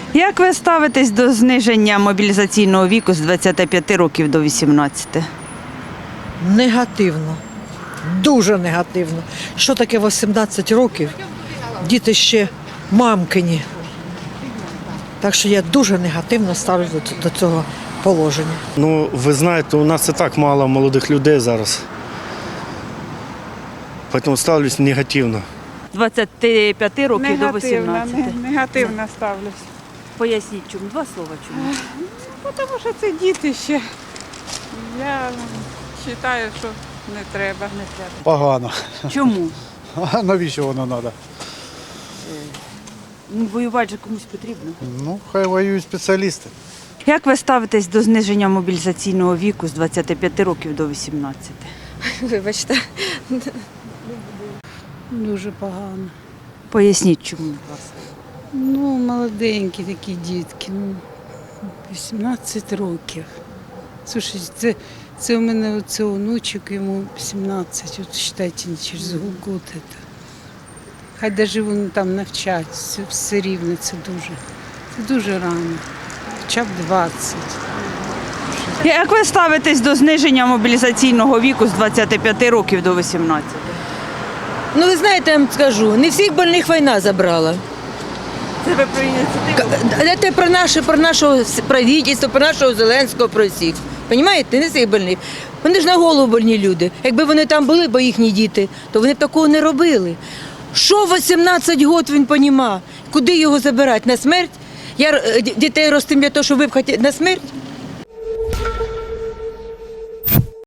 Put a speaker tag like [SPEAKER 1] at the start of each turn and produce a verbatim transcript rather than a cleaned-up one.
[SPEAKER 1] Як ви ставитесь до зниження мобілізаційного віку з двадцяти п'яти років до вісімнадцяти?
[SPEAKER 2] Негативно, дуже негативно. Що таке вісімнадцять років? Діти ще мамкині. Так що я дуже негативно ставлюся до цього положення.
[SPEAKER 3] Ну, ви знаєте, у нас і так мало молодих людей зараз. Тому ставлюсь негативно.
[SPEAKER 1] З двадцяти п'яти років до
[SPEAKER 4] Негативно,
[SPEAKER 1] вісімнадцяти.
[SPEAKER 4] не- негативно ставлюсь.
[SPEAKER 1] Поясніть, чому? Два слова чому?
[SPEAKER 4] Ну, тому що це діти ще. Я вважаю, що не треба.
[SPEAKER 1] Не треба.
[SPEAKER 5] Погано.
[SPEAKER 1] Чому?
[SPEAKER 5] А навіщо воно треба?
[SPEAKER 1] Ну, воювати же комусь потрібно.
[SPEAKER 5] Ну, хай воюють спеціалісти.
[SPEAKER 1] Як ви ставитесь до зниження мобілізаційного віку з двадцяти п'яти років до вісімнадцяти?
[SPEAKER 6] Вибачте.
[SPEAKER 7] Дуже погано.
[SPEAKER 1] Поясніть, чому, будь ласка.
[SPEAKER 7] Ну, молоденькі такі дітки, ну, вісімнадцять років. Слушай, це, це у мене оце онучок, йому сімнадцять, от вважайте, через год. це. Хай навіть вони там навчать, все, все рівно, це дуже, це дуже рано. Хоча б двадцять.
[SPEAKER 1] Як ви ставитесь до зниження мобілізаційного віку з двадцяти п'яти років до вісімнадцяти?
[SPEAKER 6] Ну ви знаєте, я вам скажу, не всіх больних війна забрала.
[SPEAKER 1] Це ви про ініціативу?
[SPEAKER 6] Це про наше, про нашого правительства, про нашого Зеленського, про всіх. Понімаєте, не всіх больних. Вони ж на голову больні люди. Якби вони там були, бо їхні діти, то вони б такого не робили. Що в вісімнадцять років він понімав? Куди його забирати? На смерть? Я е, дітей ростим для того, щоб випхати на смерть?